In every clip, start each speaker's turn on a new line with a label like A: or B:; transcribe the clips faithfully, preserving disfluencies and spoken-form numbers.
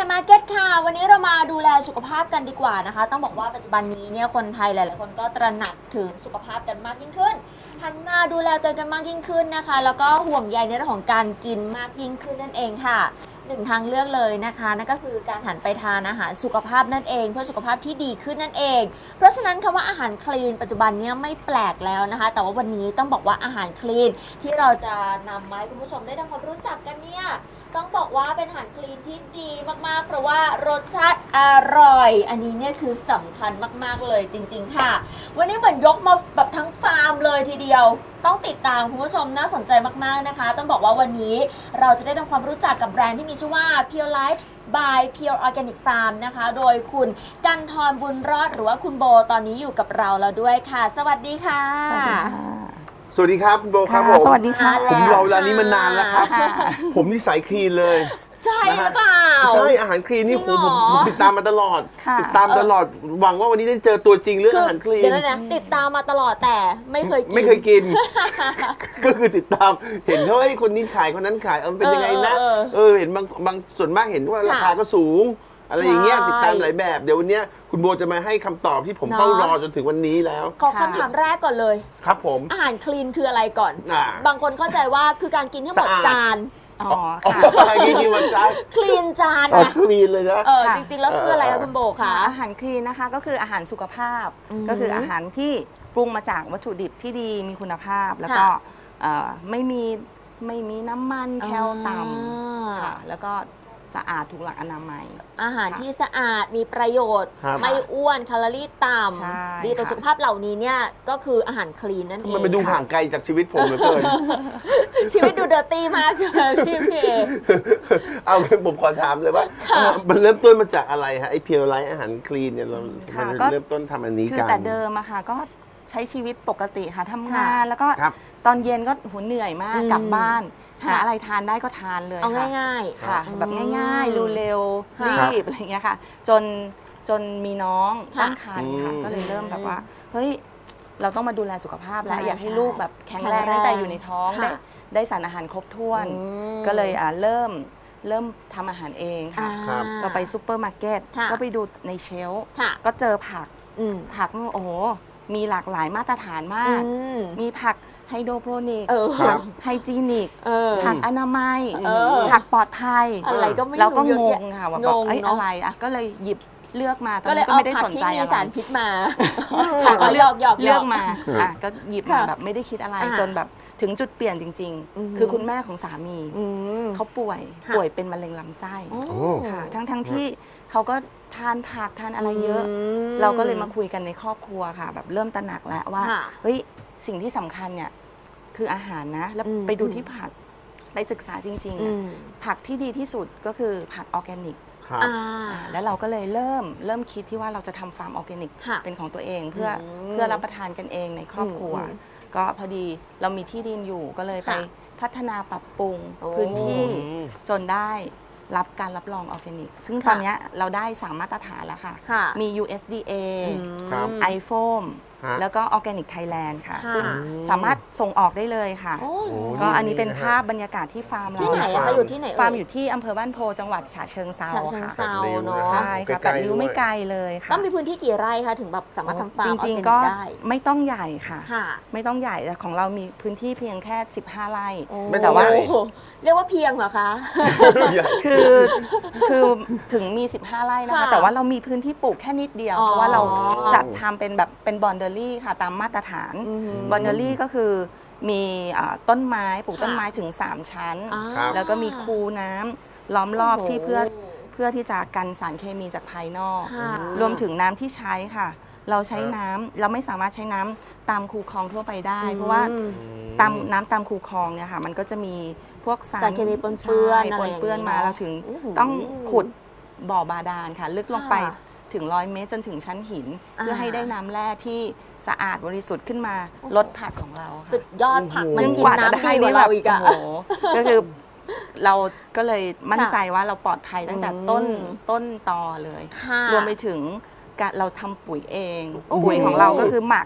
A: มาร์เก็ตค่ะวันนี้เรามาดูแลสุขภาพกันดีกว่านะคะต้องบอกว่าปัจจุบันนี้เนี่ยคนไทยหลายๆคนก็ตระหนักถึงสุขภาพกันมากยิ่งขึ้นหันมาดูแลตัวเองกันมากยิ่งขึ้นนะคะแล้วก็ห่วงใยในเรื่องของการกินมากยิ่งขึ้นนั่นเองค่ะหนึ่งทางเลือกเลยนะคะนั่นก็คือการหันไปทานอาหารสุขภาพนั่นเองเพื่อสุขภาพที่ดีขึ้นนั่นเองเพราะฉะนั้นคำว่าอาหารคลีนปัจจุบันนี้ไม่แปลกแล้วนะคะแต่ว่าวันนี้ต้องบอกว่าอาหารคลีนที่เราจะนำมาให้คุณผู้ชมได้ทำความรู้จักกันเนี่ยต้องบอกว่าเป็นอาหารคลีนที่ดีมากๆเพราะว่ารสชาติอร่อยอันนี้เนี่ยคือสำคัญมากๆเลยจริงๆค่ะวันนี้เหมือนยกมาแบบทั้งฟาร์มเลยทีเดียวต้องติดตามคุณผู้ชมน่าสนใจมากๆนะคะต้องบอกว่าวันนี้เราจะได้ทำความรู้จักกับแบรนด์ที่มีชื่อว่า Pure Light by Pure Organic Farm นะคะโดยคุณกันทรบุญรอดหรือว่าคุณโบตอนนี้อยู่กับเราแล้วด้วยค่ะสวัสดีค่ะ
B: สวัสดีค่ะ
C: สวัสดีครับคุณโบครับผม
B: สวัสดีค่ะ
C: ผมรอเวลานี้มานานแล้วครับผมนี่สายคลีนเลย
A: ใช่หรือเปล่า
C: ใช่อาหารคลีนนี่ผมผมติดตามมาตลอด
B: ค่ะ
C: ติดตามตลอดหวังว่าวันนี้ได้เจอตัวจริงเรื่องอาหารคลีน
A: เดี๋ยวนะติดตามมาตลอดแต่ไม่เคยกิน
C: ไม่เคยกิน ก็คือติดตามเห็นเฮ้ยคนนี้ขายคนนั้นขายเออเป็นยังไงนะเออเห็นบางบางส่วนมากเห็นว่าราคาก็สูงอะไรอย่างเงี้ยติดตามหลายแบบเดี๋ยววันนี้คุณโบจะมาให้คำตอบที่ผมเฝ้ารอจนถึงวันนี้แล้ว
A: ขอคำถามแรกก่อนเลย
C: ครับผม
A: อาหารคลีนคืออะไรก่อนบางคนเข้าใจว่าคือการกินให้หมดจาน
B: อ๋อค่ะ
C: กินกินวันจาน
A: คลีนจาน
C: นะคลีนเลยนะ
A: เออจริงๆแล้วคืออะไรคะคุณโบคะ
B: อาหารคลีนนะคะก็คืออาหารสุขภาพก็คืออาหารที่ปรุงมาจากวัตถุดิบที่ดีมีคุณภาพแล้วก็ไม่มีไม่มีน้ำมันแคลต่ำค่ะแล้วก็สะอาดถูกหลักอนามัย
A: อาหารที่สะอาดมีประโยชน์ไม่อ้วนแคลอรี่ต่ำดีต่อสุขภาพเหล่านี้เนี่ยก็คืออาหารคลีนนั่นเอง
C: มันดูห่างไกลจากชีวิตผมเหลือเกิน
A: ชีวิตดูเดอร์ตี้มากใช่ไหมพี่เพ
C: เอาผมขอถามเลยว่ามันเริ่มต้นมาจากอะไรฮะไอเพียวไลท์อาหารคลีนเนี่ยเราเริ่มต้นทำอันนี้กัน
B: คือแต่เดิมอะค่ะก็ใช้ชีวิตปกติค่ะทำงานแล้วก็ตอนเย็นก็หัวเหนื่อยมากกลับบ้านหาอะไรทานได้ก็ทานเลย
A: ค่ะ
B: ง่ายๆค่ะแบบง่ายๆเร็วๆรีบอะไรเงี้ยค่ะจนจนมีน้องตั้งครรภ์ค่ะก็เลยเริ่มแบบว่าเฮ้ยเราต้องมาดูแลสุขภาพแล้วอยากให้ลูกแบบแข็งแรงตั้งแต่อยู่ในท้องได้ได้สารอาหารครบถ้วนก็เลยอ่าเริ่มเริ่มทำอาหารเองค่ะเราไปซูเปอร์มาร์เก็ตก็ไปดูในเชลฟ์ก็เจอผักผักโอ้โหมีหลากหลายมาตรฐานมากมีผักไฮโดรโปรนิกผักไฮจีนิกผักอนามัยผักปลอดภัย
A: อะไรก็ไม่รู้
B: เราก็งงค่ะว่าแบบอะไรอ่ะก็เลยหยิบเลือกมาตอนนี้ก็ไม่ได้สนใจอะไร
A: ก็เลยเอาผักที่มีสารพิษมา
B: ผักก็เลือกเลือกมาอ่ะก็หยิบมาแบบไม่ได้คิดอะไรจนแบบถึงจุดเปลี่ยนจริงๆคือคุณแม่ของสามีเขาป่วยป่วยเป็นมะเร็งลำไส้ค่ะทั้งทั้งที่เขาก็ทานผักทานอะไรเยอะเราก็เลยมาคุยกันในครอบครัวค่ะแบบเริ่มตระหนักแล้วว่าเฮ้ยสิ่งที่สำคัญเนี่ยคืออาหารนะแล้วไปดูที่ผักไปศึกษาจริงๆผักที่ดีที่สุดก็คือผักออร์แกนิกแล้วเราก็เลยเริ่มเริ่มคิดที่ว่าเราจะทำฟาร์มออร์แกนิกเป็นของตัวเองเพื่อเพื่อรับประทานกันเองในครอบครัวก็พอดีเรามีที่ดินอยู่ก็เลยไปพัฒนาปรับปรุงพื้นที่จนได้รับการรับรองออร์แกนิกซึ่งตอนนี้เราได้สามมาตรฐานแล้วค่ะมี ยู เอส ดี เอ ไอ โฟ เอ็ม แล้วก็ออร์แกนิกไทยแลนด์ค่ะซึ่งสามารถส่งออกได้เลยค่ะก็อันนี้เป็นภาพบรรยากาศที่ฟาร์มเรา
A: ที่ไหนคะอยู่ที่ไหน
B: ฟาร์มอยู่ที่อำเภอบ้านโพจังหวัดฉะเชิงเทรา
A: ค่ะฉะเชิงเทราเนาะ
B: ใช่ค่ะแต่ริ้วไม่ไกลเลยค่ะ
A: ต้องมีพื้นที่กี่ไร่คะถึงแบบสามารถทำฟาร์ม
B: จริงๆก็ไม่ต้องใหญ่ค่ะไม่ต้องใหญ่แต่ของเรามีพื้นที่เพียงแค่สิบห้าไร่แต่ว่า
A: เรียกว่าเพียงเหรอคะ
B: คือคือถึงมีสิบห้าไร่นะคะแต่ว่าเรามีพื้นที่ปลูกแค่นิดเดียวเพราะว่าเราจัดทำเป็นแบบเป็นบอนเดอรี่ค่ะตามมาตรฐานบอนเดอรี่ก็คือมีต้นไม้ปลูกต้นไม้ถึงสามชั้นแล้วก็มีคูน้ำล้อมรอบที่เพื่อเพื่อที่จะกันสารเคมีจากภายนอกรวมถึงน้ำที่ใช้ค่ะเราใช้น้ำเราไม่สามารถใช้น้ำตามคูคลองทั่วไปได้เพราะว่าตามน้ำตามคูคลองเนี่ยค่ะมันก็จะมีพวก
A: สารเคมีปนเปื้อน
B: ปนเปื้อนมาเราถึงต้องขุดบ่อบาดาลค่ะลึกลงไปถึงร้อยเมตรจนถึงชั้นหินเพื่อให้ได้น้ำแร่ที่สะอาดบริสุทธิ์ขึ้นมาลดผักของเรา
A: สุดยอดผักมันกินน้ำดีกว่าเราอีกอะ
B: ก็คือเราก็เลยมั่นใจว่าเราปลอดภัยตั้งแต่ต้นต้นตอเลยรวมไปถึงการเราทำปุ๋ยเองปุ๋ยของเราก็คือหมัก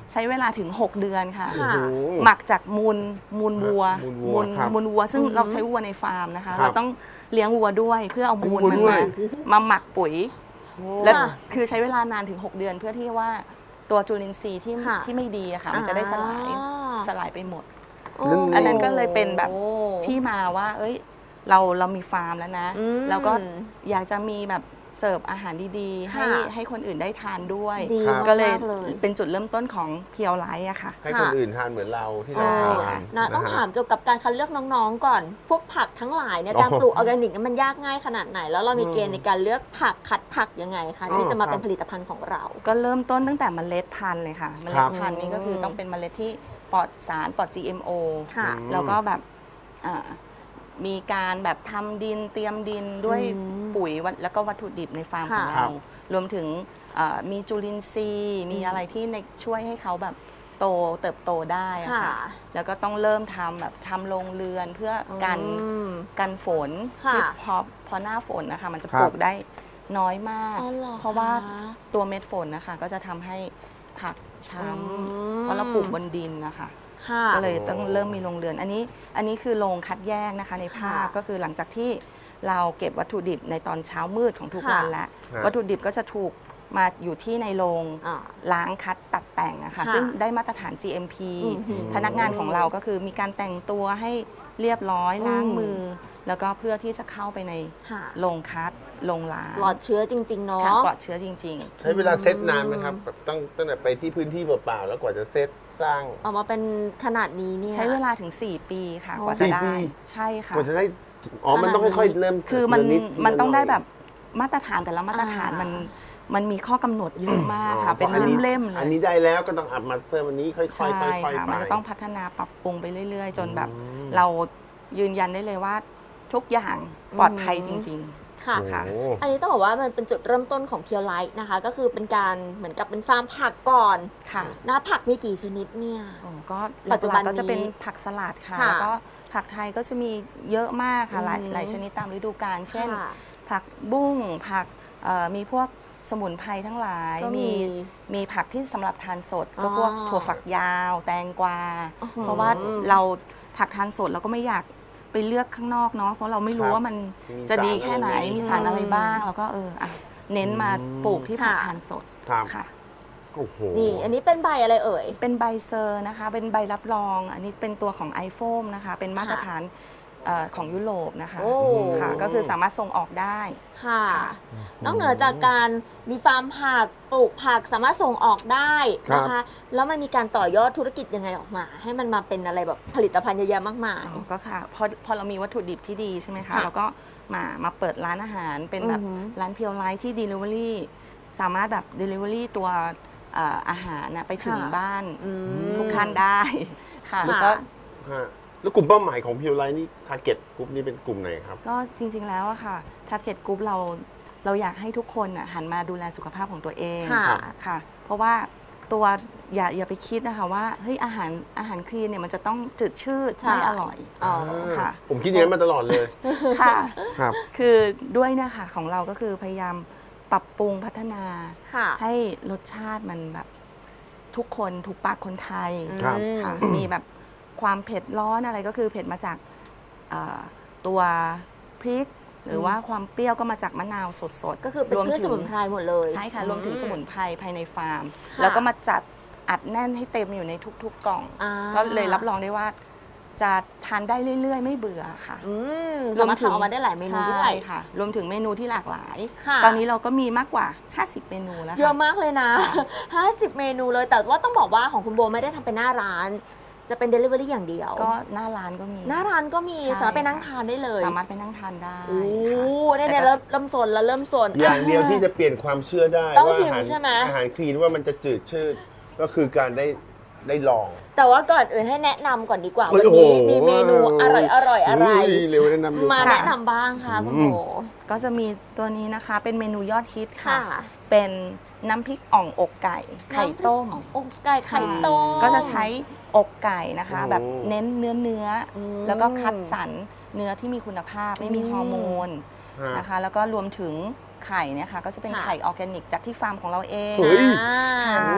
B: ใช้เวลาถึง หก เดือนค่ะ
A: ค่ะ
C: โอ้โห
B: หมักจากมูลมูลวัว
C: มูลวัวครับ
B: มูลวัว ซึ่ง
A: อือหือ
B: เราใช้วัวในฟาร์มนะคะ
C: ครับ
B: เราต้องเลี้ยงวัวด้วยเพื่อเอามูล
C: วัว
B: มัน
C: ด้วย
B: มามาหมักปุ๋ย และ
A: ค่ะ
B: คือใช้เวลานานถึง หก เดือนเพื่อที่ว่าตัวจุลินทรีย์ที่
A: ค่ะ
B: ที่ไม่ดีอะค่ะมันจะได้สลาย
A: อ่า
B: สลายไปหมด
A: โอ้
B: อันนั้นก็เลยเป็นแบบ
A: โอ้
B: ที่มาว่า เอ้ย เราเรามีฟาร์มแล้วนะ
A: อืม
B: แล้วก็อยากจะมีแบบเสิร์ฟอาหารดีๆ ให้
A: ค่ะ
B: ให้คนอื่นได้ทานด้วย
A: ดี
C: ครับ
B: ก็เลย
A: มากๆเลย
B: เป็นจุดเริ่มต้นของเพียวไลท์อะค่ะ
C: ให้คนอื่นทานเหมือนเราที่
B: ใช่
C: เราทา
B: ค่ะ
C: น
A: นะต้อง
C: ฮ
A: ถามเกี่ยวกับการคัดเลือกน้องๆก่อน พวกผักทั้งหลายเนี่ย
C: อ๋อ
A: การปลูกออร์แกนิกเนี่ยมันยากง่ายขนาดไหน แล้วเรามีเกณฑ์ในการเลือกผักคัดผักยังไงคะ
C: อ๋อ
A: ที่จะมา
C: ครับ
A: เป็นผลิตภัณฑ์ของเรา
B: ก็เริ่มต้นตั้งแต่เมล็ดพันธุ์เลยค่ะ เม
C: ค
B: ล็
C: รั
B: ด
C: บ
B: พันธุ์นี้ก็คือต้องเป็นเมล็ดที่ปลอดสารปลอด จี เอ็ม โอ
A: ค่ะ
B: แล้วก็แบบอ่ามีการแบบทำดินเตรียมดินด้วย
A: อืม
B: ปุ๋ยวัตแล้วก็วัตถุดิบในฟาร์มของ
A: ค่ะ
B: เรา รวมถึงเอ่อมีจุลินทรีย์ มี
A: อืม
B: อะไรที่ในช่วยให้เขาแบบโตเติบโตได้อะ
A: ค่ะ
B: ค่ะ แล้วก็ต้องเริ่มทำแบบทำโรงเรือนเพื่อกัน
A: อืม
B: กันฝน
A: ค่ะ
B: ที่พอพอหน้าฝนนะคะ มันจะ
C: ครั
B: ป
C: บ
B: ลูกได้น้อยมาก
A: อ๋อเหรอ
B: เพราะว่า
A: คะ
B: ตัวเม็ดฝนนะคะ ก็จะทำให้ผักช้
A: อืม
B: ำเพราะเราปลูกบนดินนะคะ
A: ค่ะ
B: ก็เลยต้องเริ่มมีโรงเรือน อันนี้อันนี้คือโรงคัดแยกนะคะในภาพ
A: ค่ะ
B: ก็คือหลังจากที่เราเก็บวัตถุดิบในตอนเช้ามืดของทุก
A: ค่ะ
B: วันแล้ว
C: ครับ
B: วัตถุดิบก็จะถูกมาอยู่ที่ในโรง
A: อ่า
B: ล้างคัดตัดแต่งอะค่ะ
A: ค่ะ
B: ซึ่งได้มาตรฐาน จี เอ็ม พี
A: อือหือ
B: พนักงานของเราก็คือมีการแต่งตัวให้เรียบร้อย
A: อืม
B: ล้างมือ แล้วก็เพื่อที่จะเข้าไปใน
A: ค่ะ
B: โรงคัดโรงล้าง
A: ปลอดเชื้อจริง ๆ เนาะ
B: ค่ะปลอดเชื้อจริง
C: ใช้เวลาเซตนานไหมครับแบบตั้งตั้งแต่ไปที่พื้นที่เปล่าๆแล้วกว่าจะเซตสร้าง
A: ออกมาเป็นขนาดนี้เนี่ย
B: ๆ ใช้เวลาถึง สี่ ปีค่ะ
A: โอ้
B: กว่าจะได้
C: สี่ปี
B: ใช่ค่ะ
C: กว่าจะได้อ๋อมันต้องค่อยๆเริ่ม
B: คือมัน
C: ทีละด
B: มันต้องได้
C: ทีละห
B: แบ
C: น่ย
B: บมาตรฐานแต่ละมาตรฐาน
A: อ่ามั
B: มันมันมีข้อกำหนดเยอะมากค่ะ
C: อ๋อ
B: เป็น
C: อันนี้
B: เล่มๆเล
C: อัน
B: ย
C: นี้ได้แล้วก็ต้องอัดมาเพิ่มอันนี้ค่อยๆค่
B: ใช่
C: อยๆไป
B: ค่ะมันจะต้องพัฒนาปรับปรุงไปเรื่อยๆ จนแบบ
C: อืม
B: เรายืนยันได้เลยว่าทุกอย่างปลอดภัยจริง
A: ค่ะ
C: โอ้
B: ค่ะ
C: โห
A: อันนี้ต้องบอกว่ามันเป็นจุดเริ่มต้นของเพียวไลท์นะคะ ก็คือเป็นการเหมือนกับเป็นฟาร์มผักก่อน
B: ๆ ค่ะ
A: นะผักมีกี่ชนิดเนี่ย
B: โอ้ก็
A: ปั
B: ปั
A: จ
B: จ
A: จุ
B: จุ
A: บั
B: บั
A: น
B: นก็จะเป็น
A: นี้
B: ผักสลัดค่ะ
A: ค่ะ
B: แล้วก็ผักไทยก็จะมีเยอะมากค่ะหลาย
A: อืม
B: หลายชนิดตามฤดูกาลเช่น
A: ค่ะ
B: ผักบุ้งผักเอ่อมีพวกสมุนไพรทั้งหลาย
A: ก็มี
B: มีมีผักที่สำหรับทานสด
A: อ๋อ
B: ก็พวกถั่วฝักยาว แตงกวา
A: อื้อหือ
B: เพราะว่าเราผักทานสดเราก็ไม่อยากไปเลือกข้างนอกเนาะเพราะเราไม่รู้
C: ครับ
B: ว่ามัน
C: มี
B: จะดี
C: สาร
B: แค่ไหน
C: อะไรไหม
B: มีสารอะไรบ้างแล้วก็เอออ่ะเน้นมาปลูกที่ผัก
A: ค่ะ
B: ทานสด
C: ครับ
B: ค่ะ
C: โอ้โห
A: นี่อันนี้เป็นใบอะไรเอ่ย
B: เป็นใบเซอร์นะคะ เป็นใบรับรอง อันนี้เป็นตัวของไอโฟมนะคะ เป็นมาตรฐานเอ่อของยุโรปนะคะ
A: โอ้
B: ค่ะ ก็คือสามารถส่งออกได้
A: ค่ะ
B: ค่ะ
A: นอกเหนือจากการมีฟาร์มผักปลูกผักสามารถส่งออกได้นะคะ แล้วมันมีการต่อยอดธุรกิจยังไงออกมา ให้มันมาเป็นอะไรแบบผลิตภัณฑ์เยอะแยะมากมาย
B: อ๋อก็ค่ะพอพอเรามีวัตถุดิบที่ดีใช่ไหมคะ
A: ค่ะ
B: เราก็มามาเปิดร้านอาหารเป็นแบบ
A: อือหือ
B: ร้านเพียวไลท์ที่ Delivery สามารถแบบ Delivery ตัวเอ่ออาหารนะไปถึง
A: ค่ะ
B: บ้าน
A: อืม
B: ทุกท่านได้ค่ะ
A: ค่ะ
B: แล้วก็
C: ฮะแล้วกลุ่มเป้าหมายของพิวไลท์นี่ทาร์เก็ตกลุ่มนี้เป็นกลุ่มไหนครับ
B: ก็จริงๆแล้วอะค่ะ Target Group เราเราอยากให้ทุกคนน่ะหันมาดูแลสุขภาพของตัวเอง
A: ค่ะ
B: ค่ะ เพราะว่าตัวอย่าอย่าไปคิดนะคะว่าเฮ้ยอาหารอาหารคลีนเนี่ยมันจะต้องจืดชืด
A: ใช่
B: ไม่อร่อย
A: อ๋อ
B: ค่ะ
C: ผมคิดอย่างนั้นมาตลอดเลย
B: ค่ะ
C: ครับ
B: คือด้วยเนะคะของเราก็คือพยายามปรับปรุงพัฒนา
A: ค่ะ
B: ให้รสชาติมันแบบทุกคนถูกปากคนไทย
C: ครับ
B: ค่ะมีแบบความเผ็ดร้อนอะไรก็คือเผ็ดมาจากเอ่อตัวพริก หรือว่าความเปรี้ยวก็มาจากมะนาวสดๆ
A: ก็คือเป็น
B: รวม
A: พืช
B: ถึ
A: ส
B: ง
A: มุนไพรหมดเลย
B: ใช่ค่ะรวมถึงสมุนไพรภายในฟาร์ม
A: ค่ะ
B: แล้วก็มาจัดอัดแน่นให้เต็มอยู่ในทุกๆกล่อง
A: อ่า
B: ก็เลยรับรองได้ว่าจะทานได้เรื่อยๆ ไม่เบื่อค่ะ
A: อืมสามารถทำออกมาได้หลายเมนูด้วย
B: ใช่ค่ะ รวมถึงเมนูที่หลากหลาย
A: ค่ะ
B: ตอนนี้เราก็มีมากกว่า ห้าสิบ เมนูแล้ว
A: เยอะ
B: ค่ะ
A: มากเลยนะ ห้าสิบ เมนูเลย แต่ว่าต้องบอกว่าของคุณโบไม่ได้ทำเป็นหน้าร้าน จะเป็น Delivery อย่างเดียว
B: ก็หน้าร้านก็มี
A: หน้าร้านก็มี
B: ใช่
A: สามารถไปนั่งทานได้เลย
B: สามารถไปนั่งทานได้
A: โอ้
B: ค่ะ
A: เนี่ยเนี่ย
B: แต่ก็
A: เริ่มเริ่มโซนแล้วเริ่มโซน
C: อย่างเดียวที่จะเปลี่ยนความเชื่อได้
A: ต้อง
C: ว่า
A: ชิม
C: อาหาร
A: ใช่ไหม
C: อาหารคลีนว่ามันจะจืดชืดก็คือการได้ได้ลอง
A: แต่ว่าก่อนอื่นให้แนะนำก่อนดีกว่า
C: เฮ้
A: วัน
C: ยโอ้โห
A: นี้มีเมนูอร่อยอร่อยอะไร
C: เฮ้ยเร็วแนะนำดู
A: มา
C: ค่ะ
A: แนะนำบ้างค่ะคุณโบ
B: ก็จะมีตัวนี้นะคะเป็นเมนูยอดฮิตค่ะ
A: ค่ะ
B: เป็นน้ำพริกอ่องอกไก่ ไข่ต้ม
A: น้ำพริกอ่องอกไก่ไข่ต้ม
B: ก็จะใช้อกไก่นะคะ
C: โอ้
B: แบบเน้นเนื้อเนื้ออ
A: ม
B: แล้วก็คัดสรรเนื้อที่มีคุณภาพไม่มี
A: อืม
B: ฮอร์โมน
C: ฮะ
B: นะคะ แล้วก็รวมถึงไข่เนี่ยค่ะก็จะเป็น
A: ค่ะ
B: ไข่ออร์แกนิกจากที่ฟาร์มของเราเอง
C: เฮ้ย
A: อ่า
B: ค่ะ
C: โอ้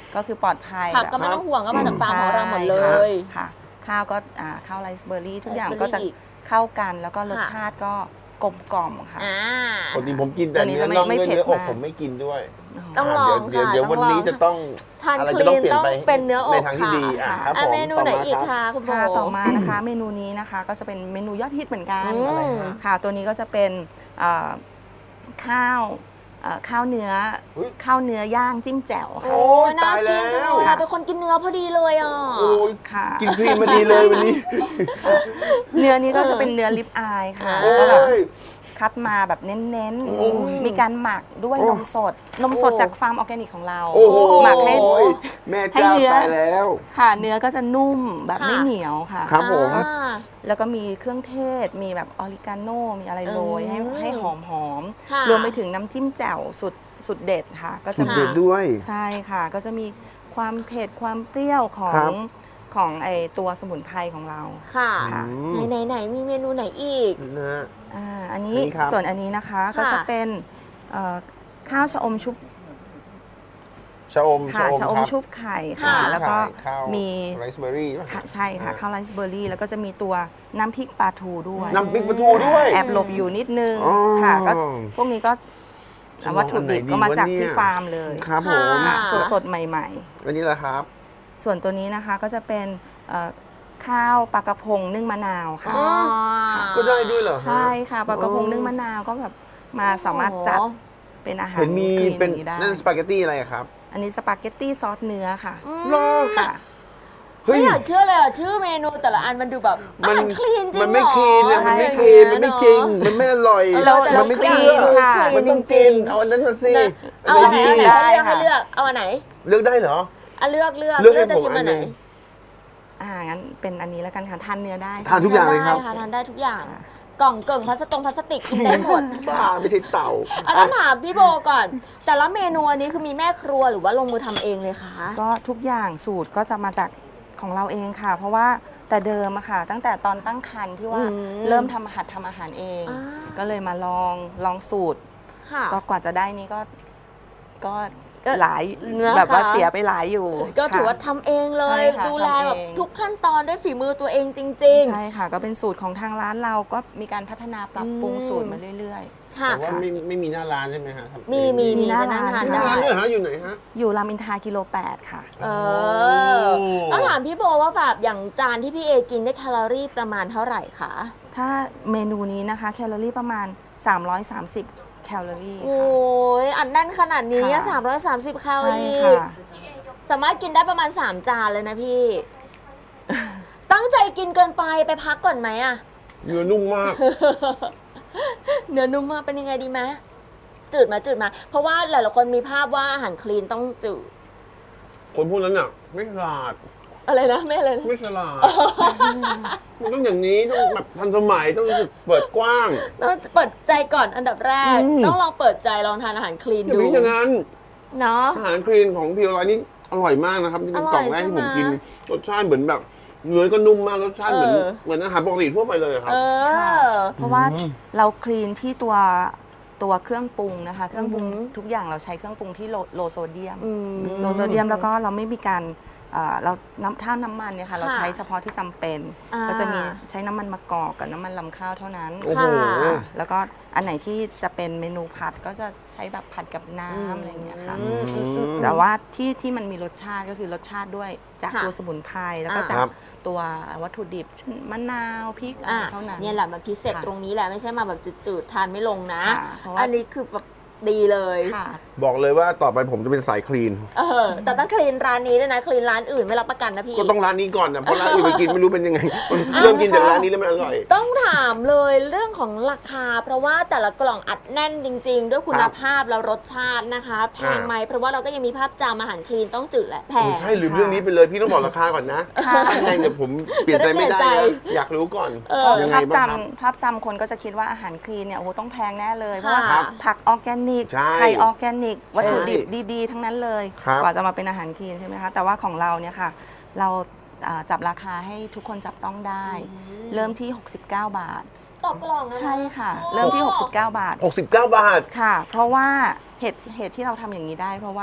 B: ก็คือปลอดภัย
A: ผัก
B: แบบ
A: ก็ไม่ต้องห่วงก็มาจากฟาร์มของเราหมดเล
B: ใช่
A: ย
B: ค่ะ ข้าวก็อ่าข้าวไรซ์เบอร์รี่ทุกอย่าง
A: Raspberry
B: ก็จะ
A: อีก
B: เข้ากันแล้วก็รส
A: ค่ะ
B: ชาติก็กลมกล่อมค่ะ
A: อ่า
C: ปกติผมกินแต่
B: ตัวนี้
C: เนื้อ
B: จะไม่
C: น่อง
B: ไม่
C: ด้วย
B: เผ็ด
C: เนื้ออก
B: มาก
C: ผมไม่กินด้วย
A: ต้องลอง
C: เดี๋ยว
A: ค่ะ
C: เดี๋ยว
A: ต้อง
C: วัน
A: ลอง
C: นี้จะต้อง
A: ทาน
C: อะไร
A: ค
C: จะ
A: ลี
C: ต้อง
A: น
C: เปลี่ยน
A: ต้อง
C: ไป
A: เป็นเนื้ออก
C: ในทางที่ดี
A: ค่ะ
C: อ่ะครับ
A: อ่ะ
C: ผม
A: เมนู
C: ต่อ
A: ไหน
C: มา
A: อีก
C: ครับ
A: คะคุณโบ
B: ค่ะต่อมานะคะ เมนูนี้นะคะก็จะเป็นเมนูยอดฮิตเหมือนกัน
A: อืม
C: อะไรฮะ
B: ค่ะ ตัวนี้ก็จะเป็นเอ่อข้าวเอ่อข้าวเนื้อ
C: อุ๊ย
B: ข้าวเนื้อย่างจิ้มแจ่วค่ะ
A: โอ้ยน่า
C: ตาย
A: กินจัง
C: แล้ว
A: เลยอะเป็นคนกินเนื้อพอดีเลยอ่ะ
C: โอ้ย
B: ค่ะ
C: กินครีมมาดีเลยวันนี้
B: เนื้อนี้ก็จะเป็นเนื้อลิปอายค่ะ
A: โอ้
B: แล้วก็แบบ
C: ย
B: คัดมาแบบเน้น
C: โอ้ย
B: ๆ มีการหมักด้วย
C: โอ้
B: นมสด นมสด
A: โอ้
B: จากฟาร์มออร์แกนิกของเรา
C: โอ้โห
B: หมักให้
C: แม่เจ้า
B: ให้เนื้อ
C: ตายแล้ว
B: ค่ะ เนื้อก็จะนุ่มแบบ
A: ค่ะ
B: ไม่เหนียวค่ะ
C: ครับผม
A: อ่า
B: แล้วก็มีเครื่องเทศ มีแบบออริกาโน มีอะไรโรยให้
A: อืม
B: ให้หอมหอมๆ
A: ค่ะ
B: รวมไปถึงน้ำจิ้มแจ่วสุดสุดเด็ดค่ะ ก็
C: จุ
B: จะ
C: ด
B: มี
C: เด็ดด้วย
B: ใช่ค่ะ ก็จะมีความเผ็ดความเปรี้ยวขอ
C: ครั
B: ง
C: บ
B: ของไอตัวสมุนไพรของเรา
A: ค่ะ
B: ค่ะ
C: อืม
A: ไหนไหนๆๆมีเมนูไหนอีก
C: นะฮะ
B: อ่าอันนี้
C: อันนี้ครับ
B: ส่วนอันนี้นะคะก็จะเป็นเอ่อข้าวชะอมชุบ
C: ชะอม
B: ค่ะชะอม
C: ครับ
B: ชุบไข่
A: ค่ะ
B: ค่ะ แล้วก็
C: ข้าว
B: มี
C: ไรซ์เบอร์รี่
B: ค่ะใช่ค่ะข้าวไรซ์เบอร์รี่แล้วก็จะมีตัวน้ำพริกปลาทูด้วย
C: น้ำพริกปลาทูด้วย
B: แอบหลบอยู่นิดนึง
C: อ๋อ
B: ค่ะก็พวกนี้ก็
C: จะลอง
B: วัตถุดิบ
C: อันไหนดี
B: ก็มาจาก
C: วะเนี่ย
B: ที่ฟาร์มเลย
C: ครับผม
A: ค่ะ
B: สดสดๆ ใหม่
C: อันนี้แหละครับ
B: ๆ ส่วนตัวนี้นะคะก็จะเป็นเอ่อข้าวปลากระพงนึ่งมะนาวค่ะ
A: อ๋อ
C: ก็ได้ด้วยเหรอฮะ
B: ใช่ค่ะปลากระพงนึ่งมะนาวก็แบบมาสามารถจัดเป็นอาหาร
C: เห็นมี
B: คลี
C: เป็น
B: อย่างได้
C: นั่นสปาเกตตี้อะไรอะครับ
B: อันนี้สปาเกตตี้ซอสเนื้อค่ะ
A: อืม
C: เหรอ
B: ค่ะ
C: เฮ้
A: ไม่
C: ย
A: อยากเชื่อเลยอ่ะ ชื่อเมนูแต่ละอันมันดูแบบอาหารคลีนจริง
C: มันไม่
A: เหรอ
C: คลีนนะมันไม่
A: อะไร
C: คลีน
A: อย่าง
C: มัน
A: เงี้
C: ไม่
A: ย
C: จริง
A: เนอะ
C: มันไม่อร่อย
A: เราแต่
C: มั
A: เรา
C: ไม่
A: คลีน
C: เชื่อ
B: ค่ะ
C: มันต้อง
A: จริ
C: กิน
A: งๆ
C: เอาอันนั้นมาสิ
A: นะเอา
C: อะไร
A: อันไหน
C: ดี
A: เอาไหน
B: ได้
A: ให้เลือก
B: ค่ะ
A: ให้เลือกเอาอันไหน
C: เลือกได้เหรอ
A: อ่ะเลือกเลือก
C: เลือกให้
A: จะ
C: ผม
A: ชิม
C: อั
A: อั
C: น
A: น
C: ห
A: ไหน
C: นึ่ง
B: อ่างั้นเป็นอันนี้แล้วกันค่ะทานเนื้อได้
C: ทานทุกอย่างเลยครับ
A: ทานได้ค่ะทานได้ทุกอย่าง กล่องเกิ่งพลาสติกพลาสติกกินได้หมด
C: บ้าไม่ใช่เต่า
A: อันนั้นถามพี่โบก่อน แต่ละเมนูอันนี้คือมีแม่ครัวหรือว่าลงมือทำเองเลยคะ
B: ก็ทุกอย่างสูตรก็จะมาจากของเราเองค่ะ เพราะว่าแต่เดิมอะค่ะ ตั้งแต่ตอนตั้งครรภ์ที่ว่า
A: อืม
B: เริ่มทำหัดทำอาหารเอง
A: อ่า
B: ก็เลยมาลองลองสูตร
A: ค่ะ
B: ก็กว่าจะได้นี้ก็ก็
A: ก็
B: หลาย
A: นะคะ
B: แบบว่าเสียไปหลายอยู่
A: ก็ถือ
B: ค่ะ
A: ว่าทำเองเลย
B: ใช่ค่ะ
A: ดูแล
B: ทำเอง
A: แบบทุกขั้นตอนด้วยฝีมือตัวเองจริง
B: ใช่ค่ะ ก็เป็นสูตรของทางร้านเราก็มีการพัฒนาปรับปรุง
A: อืม
B: สูตรมาเรื่อย
A: ๆ ค่ะ
C: แต่ว่าไม่ไม่มีหน้าร้านใช่ไหมฮะทำ
A: มีมี
B: มี
A: มี
B: หน้า
A: ก็นั่งทาน
B: ร้
C: หน้า
A: ได้
C: ร้านเนี่ยฮะอยู่ไหนฮะ
B: ๆ อยู่รามอินทรากิโลแปดค่ะ
A: เออ ต้องถามพี่โบว่าแบบอย่างจานที่พี่เอกินได้แคลอรี่ประมาณเท่าไหร่คะ
B: ถ้าเมนูนี้นะคะแคลอรี่ประมาณ สามร้อยสามสิบ แคลอรี่
A: โอ้
B: ค่ะ
A: ยอันแน่นขนาดนี้
B: ค่ะ
A: สามร้อยสามสิบแคลอ
B: ใช่
A: รี่
B: ค่ะ
A: สามารถกินได้ประมาณสามจานเลยนะพี่ ตั้งใจกินเกินไปไปพักก่อนไหมอะ
C: เนื้อนุ่มมาก
A: เนื้อนุ่มมากเป็นยังไงดีไหมจืดมาจืดมา เพราะว่าหลายๆคนมีภาพว่าอาหารคลีนต้องจืด
C: คนพวกนั้นอ่ะ ไม่ฉลาด
A: อะไรนะไม่อะไรนะ
C: ไม่ฉลาด มันต้องอย่างนี้ต้องแบบทันสมัยต้องเปิดกว้าง
A: ต้องเปิดใจก่อนอันดับแรก
C: อืม
A: ต้องลองเปิดใจลองทานอาหารคลีน
C: อย่า
A: ดู
C: ไปคิดอย่างนั้น
A: เนาะ
C: อาหารคลีนของพีโอร้อยนี่อร่อยมากนะครับที่เป็น
A: อร่อย
C: กล่องแรกที่ผมกิน
A: ใช่ไหม
C: รสชาติเหมือนแบบเนื้อก็นุ่มมากรสชาติเหมือน
A: เออ
C: เหมือนอาหารปกติทั่วไปเลยครับ
A: เออ
B: เพราะว่าเราคลีนที่ตัวตัวเครื่องปรุงนะคะ เครื่องปรุง
A: อือหือ
B: ทุกอย่างเราใช้เครื่องปรุงที่โลโลโซเดียม
A: อืม
B: โลโซเดียมแล้วก็เราไม่มีการเอ่อเราน้ำท่าน้ำมันเนี่ยค่ะ
A: ค่ะ
B: เราใช้เฉพาะที่จำเป็น
A: อ่า
B: ก็จะมีใช้น้ำมันมะกอกกับน้ำมันลำข้าวเท่านั้น
C: โอ้โห
A: ค่ะ
B: แล้วก็อันไหนที่จะเป็นเมนูผัดก็จะใช้แบบผัดกับน้
A: อืม
B: ำอะไรอย่างเงี้ยค่ะ
A: อืมอืมอืม
B: แต่ว่าที่ที่มันมีรสชาติก็คือรสชาติด้วยจาก
A: ค่ะ
B: ตัวสมุนไพรแล้วก็
A: อ่า
B: จา
C: ครั
B: ก
C: บ
B: ตัววัตถุดิบเช่นมะนาวพริกอะไร
A: อ่ะ
B: เท่านั้น
A: เนี่ยแหละมันพิเศษ
B: ค่ะ
A: ตรงนี้แหละไม่ใช่มาแบบจืดๆทานไม่ลงนะ
B: ค่ะเพราะว่า
A: อันนี้คือแบบดีเลย
B: ค่ะ
C: บอกเลยว่าต่อไปผมจะเป็นสายคลีน
A: เออแต่ต้องคลีนร้านนี้ด้วยนะคลีนร้านอื่นไม่รับประกันนะพี่
C: ก็ต้องร้านนี้ก่อนนะเพราะร้านอื่นไปกินไม่รู้เป็นยังไง เริ่มกินจากร้านนี้แล้วมันอร่อย
A: ต้องถามเลยเรื่องของราคา เพราะว่าแต่ละกล่องอัดแน่นจริง ๆ ด้วยคุณภาพแล้วรสชาตินะคะแพงไหมเพราะว่าเราก็ยังมีภาพจำอาหารคลีนต้องจืดและแพง
C: ใช่ลืมเรื่องนี้ไปเลยพี่ต้องบอกราคาก่อนนะ
B: ค่ะ
C: ถ้าแพงเดี๋ยวผมเปลี่ยนใจไม่ได้
A: จะได้เปลี่ยน
C: นะ
A: ใจ
C: อยากรู้ก่อน
A: เออ
C: ยังไง
B: ภาพ
C: บ้างครับ
B: จำภาพจำคนก็จะคิดว่าอาหารคลีนเนี่ยโอ้โหต้องแพงแน่เลย เพราะว่า
A: ครับ
B: ผักออร์แกนิก
C: ใช่
B: ไข่ออร์แกนิก วัตถุดิบ
C: ใช่
B: ดีๆ ทั้งนั้นเลย
C: ครับ
B: กว่าจะมาเป็นอาหารคลีนใช่ไหมคะ แต่ว่าของเราเนี่ยค่ะ เราอ่าจับราคาให้ทุกคนจับต้องได้ เริ่มที่ หกสิบเก้า บาท
A: ต่อกล่องนะ
B: ใช่ค่ะ เริ่มที่ หกสิบเก้า บาท
C: หกสิบเก้าบาท
B: ค่ะ เพราะว่าเหตุเหตุที่เราทำอย่างนี้ได้ เพราะว่า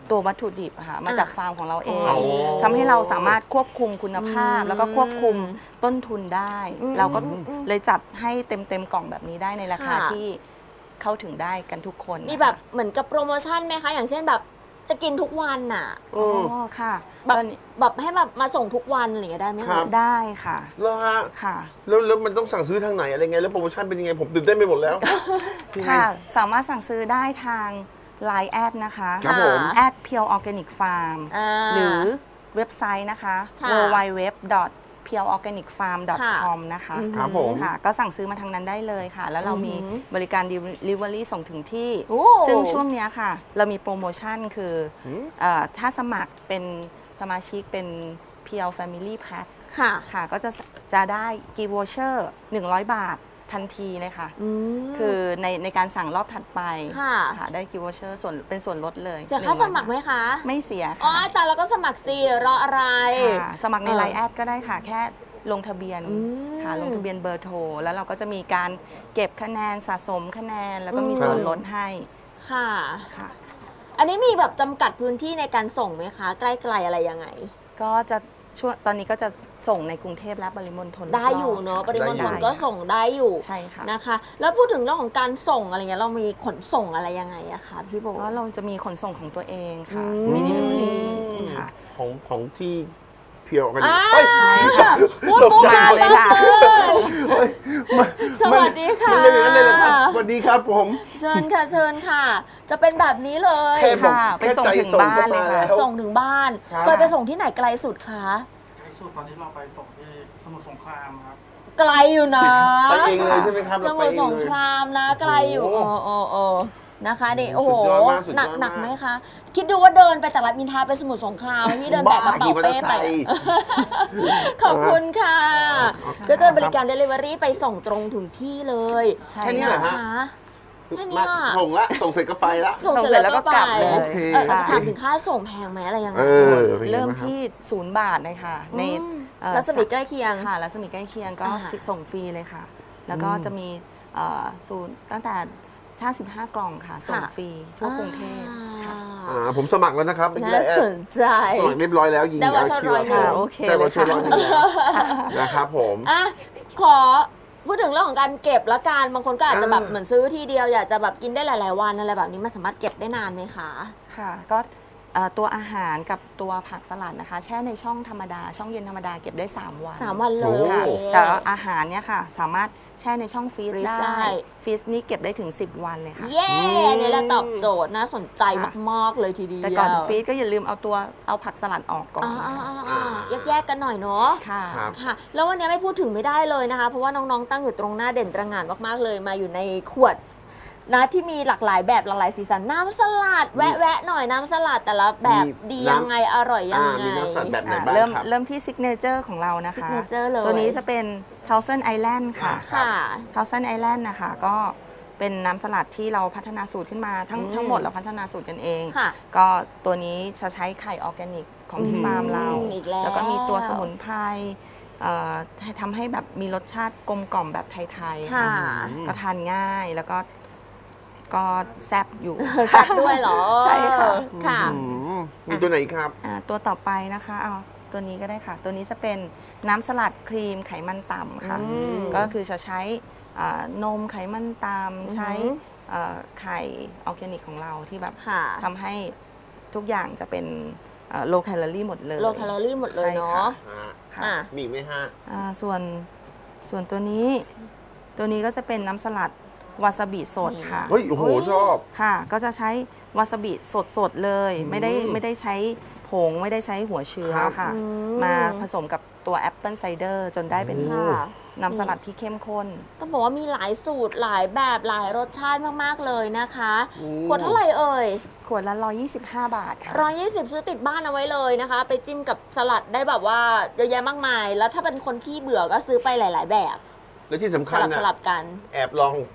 B: ตัววัตถุดิบอะค่ะมาจากฟาร์มของเราเอง
C: อ๋อ
B: ทำให้เราสามารถควบคุมคุณภาพ
A: อืม
B: แล้วก็ควบคุมต้นทุนได้
A: อืม
B: เราก็
A: อืมอืม
B: เลยจัดให้เต็มเต็มๆกล่องแบบนี้ได้ในราคา
A: ค่ะ
B: ที่เข้าถึงได้กันทุกคน
A: มีแบบเหมือนกับโปรโมชั่นไหมคะ อย่างเช่นแบบจะกินทุกวันน่ะ
C: อื
B: อ๋
C: ม
B: อค่ะ
A: แบบ
B: ตอนนี้
A: แบบให้แบบมาส่งทุกวันอะไรอย่างเงี้ยได้ไหม
C: ครั
A: คะ
C: บ
B: ได้ค่ะ
C: แล้วฮะ
B: ค่ะ
C: แล้วแล้วมันต้องสั่งซื้อทางไหนอะไรไงแล้วโปรโมชั่นเป็นยังไงผมตื่นเต้นไปหมดแล้ว
B: ค่ะ สามารถสั่งซื้อได้ทาง ไลน์ แอดนะคะ
C: ครับผม
B: แอด Pure Organic Farm
A: อ่า
B: หรือเว็บไซต์นะคะ
A: ค่ะ
B: ดับเบิลยู ดับเบิลยู ดับเบิลยู ดอท เพียว ออร์แกนิก ฟาร์ม ดอท คอม นะคะ
A: อือหือ
C: ครับผม
B: ค่ะ ก็สั่งซื้อมาทางนั้นได้เลยค่ะ แล้วเรามี
A: อือหือ
B: บริการ Delivery ส่งถึงที่
A: โอ้
B: ซึ่งช่วงเนี้ยค่ะ เรามีโปรโมชั่นคือ
C: หืม
B: เออถ้าสมัครเป็นสมาชิกเป็น พี แอล Family Pass
A: ค่ะ
B: ค่ะ ก็จะจะได้ Gift Voucher หนึ่งร้อย บาททันทีเลยค่ะ
A: ม
B: คือในในการสั่งรอบถัดไป
A: ค่ะ
B: ค่ะได้ Gift Voucher ส่วนเป็นส่วนลดเลย
A: เสียค่า
B: หนึ่งร้
A: ส
B: อย
A: มัครไหมคะ
B: ไม่เสีย
A: อ๋อ
B: ค่ะ
A: แต่เราก็สมัครสิรออะไร
B: ค่ะ สมัครใน
A: เออ
B: ไลน์ แอดก็ได้ค่ะ แค่ลงทะเบียน
A: อืม
B: ค่ะ ลงทะเบียนเบอร์โทร แล้วเราก็จะมีการเก็บคะแนนสะสมคะแนน แล้วก็มี
A: อืม
B: ส่วนลดให้
A: ค่ะ
B: ค่ะ
A: อันนี้มีแบบจำกัดพื้นที่ในการส่งไหมคะ ใกล้ๆอะไรยังไง
B: ก็จะช่วงตอนนี้ก็จะส่งในกรุงเทพและปริมณฑล
A: ได้อยู่เนาะปริมณฑล
B: ได้
A: ก็ส่งได้อยู่
B: ใช่ค่ะ
A: นะคะ แล้วพูดถึงเรื่องของการส่งอะไรเงี้ยเรามีขนส่งอะไรยังไงอะคะพี่โบ
B: เพราะเราจะมีขนส่งของตัวเองค่ะ
A: อืม
B: มี delivery ค่ะ
C: ของของที่เพียวกัน
A: อ่า
C: เฮ้ย
B: ใช่ค่ะ
A: พูดปุ๊บ
B: มาเลยค่ะ
C: เฮ้ยมัน
A: สวัสดีค่ะ
C: มันเล่นอย่างนั้นเลยเหรอครับสวัสดีครับผม
A: เชิญค่ะเชิญค่ะ จะเป็นแบบนี้เลย
C: แค่บอก
B: ค่ะไป
C: แค่
B: ส่ง
C: ใจ
B: ถึง
C: ส่ง
B: บ้าน
C: ก็
B: เลย
C: มา
B: ค่ะ
C: แล้ว
A: ส่งถึงบ้าน
C: ครับ
A: เคยไปส่งที่ไหนไกลสุดคะ
D: ไกลสุดตอนนี้เราไปส่งที่สมุทรสงครามครับ
A: ไกลอยู่นะ
C: ไปเองเลยใช่ไหมครับ
A: ส
C: เราไป
A: มุทร
C: เอง
A: สง
C: เลย
A: ครามนะไกลอยู่
C: โอ้
A: โอ้
C: โห
A: โอ้โอ้นะคะนี่
C: โอ้
A: โอ้
C: โห
A: โห
C: สุดยอดมากสุด
A: หนัก
C: ยอด
A: หนัก
C: มาก
A: ไหมคะ คิดดูว่าเดินไปจากรัฐมินทราไปสมุทรสงครามพี่เดินแบกกระเป๋า
C: ขี่มอเตอ
A: เป้
C: ร์ไซ
A: ไป
C: ค์
A: ขอบคุณค่ะ
C: ครับ
A: ก็จะบริการ Delivery ไปส่งตรงถึงที่เลย
B: ใช่
C: แค่นี้เหรอ
A: นะ
C: ฮะ
A: คะแค่
C: มา
A: เนี้ย
C: ส่งละส่งเสร็จก็ไปละ
A: ส่ง
B: ส่ง
A: เส
B: เส
A: ร็
B: ร็
A: จ
B: จ
A: แล้
B: แล้ว ว
A: ก็
B: ก็
A: ไป
B: กลับเลย
C: โอเค
A: เออ
B: ค่ะ
A: ถามถึงค่าส่งแพงไหมอะไรยังไง
C: เออเป็นไง
B: เริ่ม
C: บ้างครับ
B: ที่ศูนย์บาทเลยค่ะ ใน
A: อืม
B: เอ่อ
A: รัศมีใกล้เคียง
B: ค่ะรัศมีใกล้เคียงก็
A: อ่า
B: ฟรีส่งฟรีเลยค่ะ แล้วก็จะมีเอ่อศูนย์ตั้งแต่ห้าสิบห้ากล่องค่ะ ส่ง
A: ค่ะ
B: ฟรีทั่วกรุงเทพค่ะ
C: อ่าผมสมัครแล้วนะครับไม่
A: น่า
C: ได้แอด
A: สนใจ
C: สมัครเรียบร้อยแล้วยิง
A: ได้วอเชอร์
C: คิว
A: ร้อยหนึ่ง
B: ค่ะโอเค
C: ได้
B: เล
C: วอย เชอ
B: ค่ะ
C: ร์ร้อยหนึ่งแล้วนะครับผม
A: อ่ะขอพูดถึงเรื่องของการเก็บละกันบางคนก็อาจจะแบบ
C: อ่า
A: เหมือนซื้อทีเดียวอยากจะแบบกินได้หลาย ๆ วันอะไรแบบนี้มันสามารถเก็บได้นานไหมคะ
B: ค่ะ ก็เอ่อตัวอาหารกับตัวผักสลัดนะคะ แช่ในช่องธรรมดา ช่องเย็นธรรมดาเก็บได้ สาม วัน
A: สามวันเล
C: โอ้
A: ย
B: ค่ะแต่อาหารเนี่ยค่ะ สามารถแช่ในช่องฟรีซ
A: ฟรีซ
B: ได้
A: ได้
B: ฟรีซนี่เก็บได้ถึง สิบ วันเลยค่ะ
A: เย้เนี่ยแหละตอบโจทย์น่าสนใจ
B: ค่ะ
A: มาก ๆ เลยทีเดียว
B: แต่ก่อนฟรีซก็อย่าลืมเอาตัวเอาผักสลัดออกก่อน
A: อ่า
B: นะคะ
A: ๆๆๆแยก ๆ กันหน่อยเนาะ
B: ค่ะ
C: ครับ
A: ค่ะ แล้ววันนี้ไม่พูดถึงไม่ได้เลยนะคะ เพราะว่าน้อง ๆ ตั้งอยู่ตรงหน้าเด่นตระหง่านมาก ๆ เลยมาอยู่ในขวดนะที่มีหลากหลายแบบหลากหลายสีสันน้ำสลัด แวะ ๆ หน่อยน้ำสลัดแต่ละแบบ
C: มี
A: ดี
C: น้ำ
A: ยังไงอร่อยยัง
C: อ่า
A: ไง
C: มีน้ำสลัดแบบไหน
B: ค่ะ
C: บ้าง
B: เริ่ม
C: ครับ
B: เริ่มที่ซิกเนเจอร์ของเรานะคะ
A: signature เลย
B: ตัวนี้จะเป็น Thousand Island ค่ะ
C: อ่า
A: ค่ะ
B: Thousand Island นะคะก็เป็นน้ำสลัดที่เราพัฒนาสูตรขึ้นมาทั้ง
A: อืม
B: ทั้งหมดเราพัฒนาสูตรกันเอง
A: ค่ะ
B: ก็ตัวนี้จะใช้ไข่ออร์แกนิกของที่
A: อืม
B: ฟาร์มเรา
A: อีกแล้ว
B: ก็มีตัวสมุนไพรเอ่อให้ทำให้แบบมีรสชาติกลมกล่อมแบบไทยๆ
A: ค่ะ
B: ก็ทานง่ายแล้วก็ก็แซ่บอยู่
A: แซ่บด้วยเหรอ
B: ใช่ค่ะ
A: ค่ะ
C: อืมมีตัวไหนอีกครับ
B: อ่าตัวต่อไปนะคะเอาตัวนี้ก็ได้ค่ะ ตัวนี้จะเป็นน้ำสลัดครีมไขมันต่ำค่ะ
A: อืม
B: ก็คือจะใช้อ่านมไขมันต่
A: อือ
B: ำ
A: หือ
B: ใช้เอ่อไข่ออร์แกนิกของเราที่แบบ
A: ค่ะ
B: ทำให้ทุกอย่างจะเป็นโลแคลอรี่หมดเลย
A: โลแคลอรี่หมดเลยเนาะ
B: ค่ะ
A: อ่ะ
C: มีอีกไหมฮะ
B: อ่าส่วนส่วนตัวนี้ ตัวนี้ก็จะเป็นน้ำสลัดวาซาบิสดค่ะ
C: เฮ้ย โอ้โห
A: เฮ้ย
C: ชอบ
B: ค่ะ ก็จะใช้วาซาบิสดๆเลย
C: อืม
B: ไม่ได้ไม่ได้ใช้ผงไม่ได้ใช้หัวเชื้อ
C: ครับ
B: ค่ะ
A: อื
B: มาผสมกับตัวแอปเปิลไซเดอร์จนได้เป็น
C: โอ้
A: ค่ะ
B: น้ำสลัดที่เข้มข้น
A: ต้องบอกว่ามีหลายสูตรหลายแบบหลายรสชาติมาก ๆ เลยนะคะ
C: โอ้
A: ขวดเท่าไหร่เอ่ย
B: ขวดละหนึ่งร้อยยี่สิบห้า บาทค่ะ
A: ร้อยยี่สิบซื้อติดบ้านเอาไว้เลยนะคะ ไปจิ้มกับสลัดได้แบบว่าเยอะแยะมากมาย แล้วถ้าเป็นคนขี้เบื่อก็ซื้อไปหลาย ๆ แบบ
C: แล้วที่สำ
A: ส
C: คัญ
A: ลับ
C: นะ
A: สลับกัน
C: แอบลอง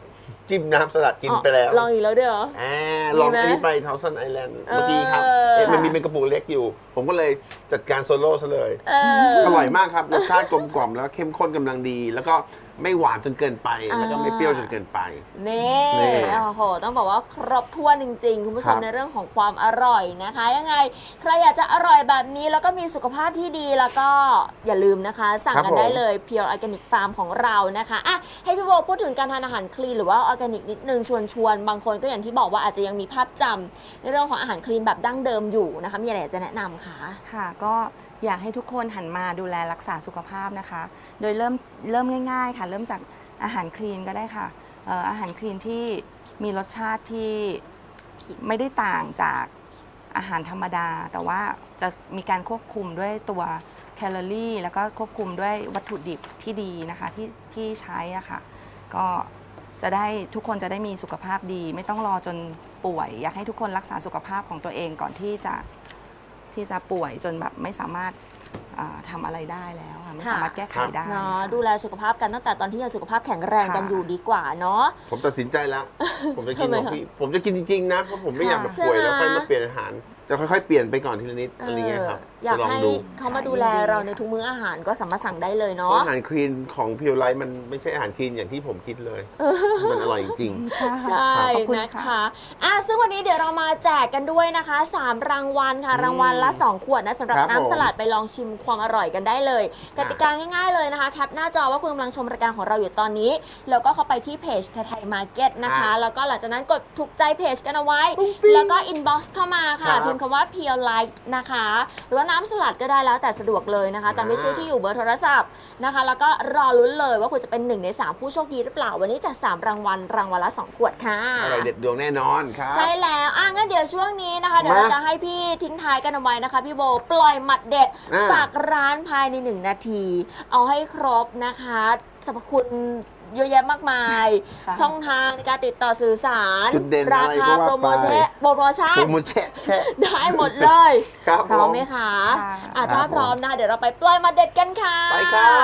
C: จิ้มน้ำสลัดกินไปแล้ว
A: ลองอีกแล้วเด้อ
C: อ่าลอง
A: มีไหม
C: อันนี้ไปเทาซันไอแลนด์
A: เออ
C: เมื่อกี้ครับเอ๊ะมันมีเป็นกระปุกเล็กอยู่ ผมก็เลยจัดการโซโล่ซะเลย
A: เออ
C: อร่อยมากครับรสชาติกลมกล่อมแล้วเข้มข้นกำลังดี แล้วก็ไม่หวานจนเกินไป
A: อ่า
C: แล้วก็ไม่เปรี้ยวจนเกินไป
A: นี่
C: นี่
A: โอ้โหต้องบอกว่าครบถ้วนจริงๆ คุณผู้ชม
C: ครับ
A: ในเรื่องของความอร่อยนะคะ ยังไงใครอยากจะอร่อยแบบนี้แล้วก็มีสุขภาพที่ดีแล้วก็อย่าลืมนะคะ สั่งกันได้เลย Pure Organic Farm ของเรานะคะอ่ะให้พี่โบพูดถึงการทานอาหารคลีนหรือว่าออร์แกนิกนิดนึงชวนชวนบางคนก็อย่างที่บอกว่าอาจจะยังมีภาพจำในเรื่องของอาหารคลีนแบบดั้งเดิมอยู่นะคะมีอะไรอยากจะแนะนำคะ
B: ค่ะก็อยากให้ทุกคนหันมาดูแลรักษาสุขภาพนะคะ โดยเริ่มเริ่มง่ายๆค่ะ เริ่มจากอาหารคลีนก็ได้ค่ะเอ่ออาหารคลีนที่มีรสชาติที่ไม่ได้ต่างจากอาหารธรรมดา แต่ว่าจะมีการควบคุมด้วยตัวแคลอรี่ แล้วก็ควบคุมด้วยวัตถุดิบที่ดีนะคะที่ที่ใช้อะค่ะก็จะได้ทุกคนจะได้มีสุขภาพดี ไม่ต้องรอจนป่วย อยากให้ทุกคนรักษาสุขภาพของตัวเองก่อนที่จะ ที่จะป่วยจนแบบไม่สามารถอ่าทำอะไรได้แล้วค่ะไม่สามารถแก้ไขได้
A: เนาะ
B: ค่ะ
A: ดูแลสุขภาพกันตั้งแต่ตอนที่ยังสุขภาพแข็งแรงกัน
B: ค่ะ
A: อยู่ดีกว่าเนาะ
C: ผมตัดสินใจแล้ว ผมจะกิน
A: ทำไม
C: ของ
A: คะ
C: พี่ผมจะกินจริงๆนะ เพราะผมไม่อยากแบบ
A: ใช่
C: ป่วยแล้ว
A: ไหม
C: ค่อยมาเปลี่ยนอาหาร จะค่อยๆเปลี่ยนไปก่อนทีละนิดอะไรเงี้ยครับ
A: อยาก
C: จะลอง
A: ให้
C: ดู
A: เขามาดูแลเราในทุกมื้ออาหารก็สามารถสั่งได้เลย
C: เพ
A: เนาะ
C: ราะอาหารคลีนของพิวไลท์มันไม่ใช่อาหารคลีนอย่างที่ผมคิดเลย มันอร่อยจริง
A: ใช่
B: ขอบคุณ
A: นะ
B: ค่ะ
A: คะอ่ะซึ่งวันนี้เดี๋ยวเรามาแจกกันด้วยนะคะสามรางวัลค่ะ
C: อืม
A: รางวัลละสองขวดนะสำหรับ
C: ครับ
A: น้ำสลัด
C: ผม
A: ไปลองชิมความอร่อยกันได้เลยกติกาง่ายๆเลยนะคะแคปหน้าจอว่าคุณกำลังชมรายการของเราอยู่ตอนนี้ แล้วก็เข้าไปที่เพจไทยมาร์เก็ตนะคะ แล้วก็หลังจากนั้นกดถูกใจเพจกันเอาไว้ แล้วก็อินบ็อกซ์เข้ามาค่ะ
C: ครับ
A: พิมพ์คำว่า Pure Light นะคะ หรือว่าน้ำสลัดก็ได้แล้วแต่สะดวกเลยนะคะตามด้วยชื่อที่อยู่เบอร์โทรศัพท์นะคะ แล้วก็รอลุ้นเลยว่าคุณจะเป็นหนึ่งในสามผู้โชคดีหรือเปล่าวันนี้จะสามรางวัลรางวัลละสองขวดค่ะ
C: อร่อยเด็ดดวงแน่นอนครับ
A: ใช่แล้วอ่ะงั้นเดี๋ยวช่วงนี้นะคะ เดี๋ยวเรา
C: มา
A: จะให้พี่ทิ้งท้ายกันเอาไว้นะคะ พี่โบปล่อยหมัดเด็ด
C: อ่า
A: ฝากร้านภายในหนึ่งนาที เอาให้ครบนะคะสรรพคุณเยอะแยะมากมาย
B: ค่ะ
A: ช่องทางในการติดต่อสื่อสาร
C: จุดเด่น
A: รา
C: อะไร
A: คา
C: ก็ว่า
A: โปรโมชั่น
C: ไป
A: โปรโมชั่น
C: โปรโมชั่นแช่
A: ได้หมดเลย
C: ครับ
A: พร้อม
C: ผม
A: ไหมคะ
B: ค่ะ
A: อ่ะ
C: ครั
A: ถ้า
C: บผม
A: พร้อมนะคะเดี๋ยวเราไปปล่อยหมาเด็ดกันค่ะ
C: ไปครับ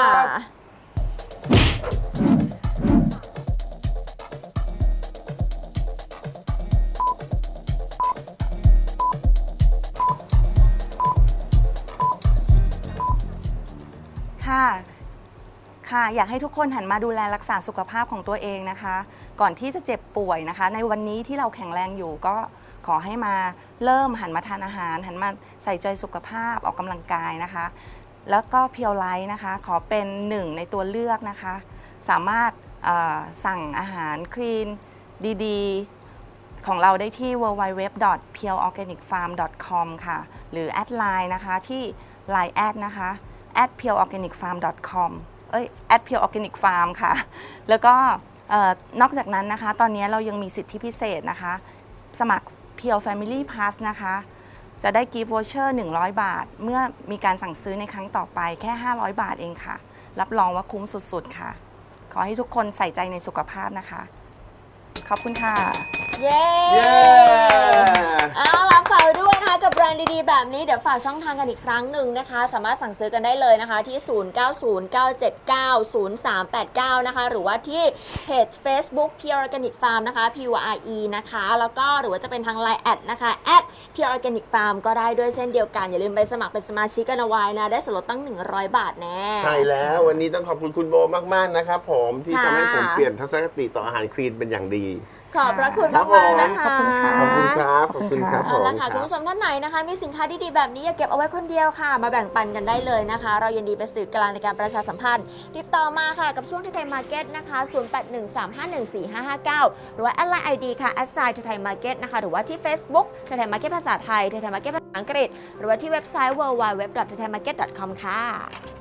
B: ค่ะ ค่ะ อยากให้ทุกคนหันมาดูแลรักษาสุขภาพของตัวเองนะคะ ก่อนที่จะเจ็บป่วยนะคะ ในวันนี้ที่เราแข็งแรงอยู่ก็ขอให้มาเริ่มหันมาทานอาหาร หันมาใส่ใจสุขภาพออกกำลังกายนะคะ แล้วก็เพียวไลท์นะคะ ขอเป็นหนึ่งในตัวเลือกนะคะ สามารถเอ่อสั่งอาหารคลีนดีๆ ของเราได้ที่ ดับเบิลยู ดับเบิลยู ดับเบิลยู ดอท เพียว ออร์แกนิก ฟาร์ม ดอท คอม ค่ะ หรือแอดไลน์นะคะที่ ไลน์ แอดนะคะ แอด เพียว ออร์แกนิก ฟาร์ม ดอท คอม เอ้ย แอด เพียว ออร์แกนิก ฟาร์ม ค่ะ แล้วก็เอ่อนอกจากนั้นนะคะ ตอนนี้เรายังมีสิทธิพิเศษนะคะ สมัคร เพียว Family Pass นะคะ จะได้ Gift Voucher หนึ่งร้อย บาท เมื่อมีการสั่งซื้อในครั้งต่อไปแค่ ห้าร้อย บาทเองค่ะ รับรองว่าคุ้มสุดๆค่ะ ขอให้ทุกคนใส่ใจในสุขภาพนะคะ ขอบคุณค่ะ
A: เย้
C: เย้
A: เอาล่ะฝากไว้ด้วยนะคะกับแบรนด์ดีๆแบบนี้เดี๋ยวฝากช่องทางกันอีกครั้งหนึ่งนะคะ สามารถสั่งซื้อกันได้เลยนะคะที่ ศูนย์ เก้า ศูนย์ เก้า เจ็ด เก้า ศูนย์ สาม แปด เก้า นะคะ หรือว่าที่เพจ Facebook Pure Organic Farm นะคะ P U R E นะคะ แล้วก็หรือว่าจะเป็นทาง ไลน์ แอดนะคะ แอด Pure Organic Farm ก็ได้ด้วยเช่นเดียวกัน อย่าลืมไปสมัครเป็นสมาชิกกันเอาไว้นะ ได้ส่วนลดตั้ง หนึ่งร้อย บาทแน่
C: ใช่แล้ววันนี้ต้องขอบคุณคุณโบมาก ๆ นะครับผมที่
A: ค่ะ
C: ทำให้ผมเปลี่ยนทัศนคติต่ออาหารคลีนเป็นอย่างดี
A: ขอบพระคุณ
C: ครั
A: มา
C: บ
A: กๆนะคะ
B: ขอบคุณค่ะ
C: ขอบคุณครับ ขอบคุณครับผ
A: เอา
C: ม
A: ละค่ะคุณผู้ชมท่านไหนนะคะมีสินค้าดีๆแบบนี้อย่าเก็บเอาไว้คนเดียวค่ะ มาแบ่งปันกันได้เลยนะคะ เรายินดีเป็นสื่อกลางในการประชาสัมพันธ์ ติดต่อมาค่ะกับช่วงไทยมาร์เก็ตนะคะ ศูนย์ แปด หนึ่ง สาม ห้า หนึ่ง สี่ ห้า ห้า เก้า หรือว่าแอดไลน์ ไอ ดี ค่ะแอดไซน์ไทยมาร์เก็ตนะคะ หรือว่าที่ Facebook ไทยมาร์เก็ตภาษาไทยไทยมาร์เก็ตภาษาอังกฤษ หรือว่าที่เว็บไซต์ ดับเบิลยู ดับเบิลยู ดับเบิลยู ดอท ไทยมาร์เก็ต ดอท คอม ค่ะ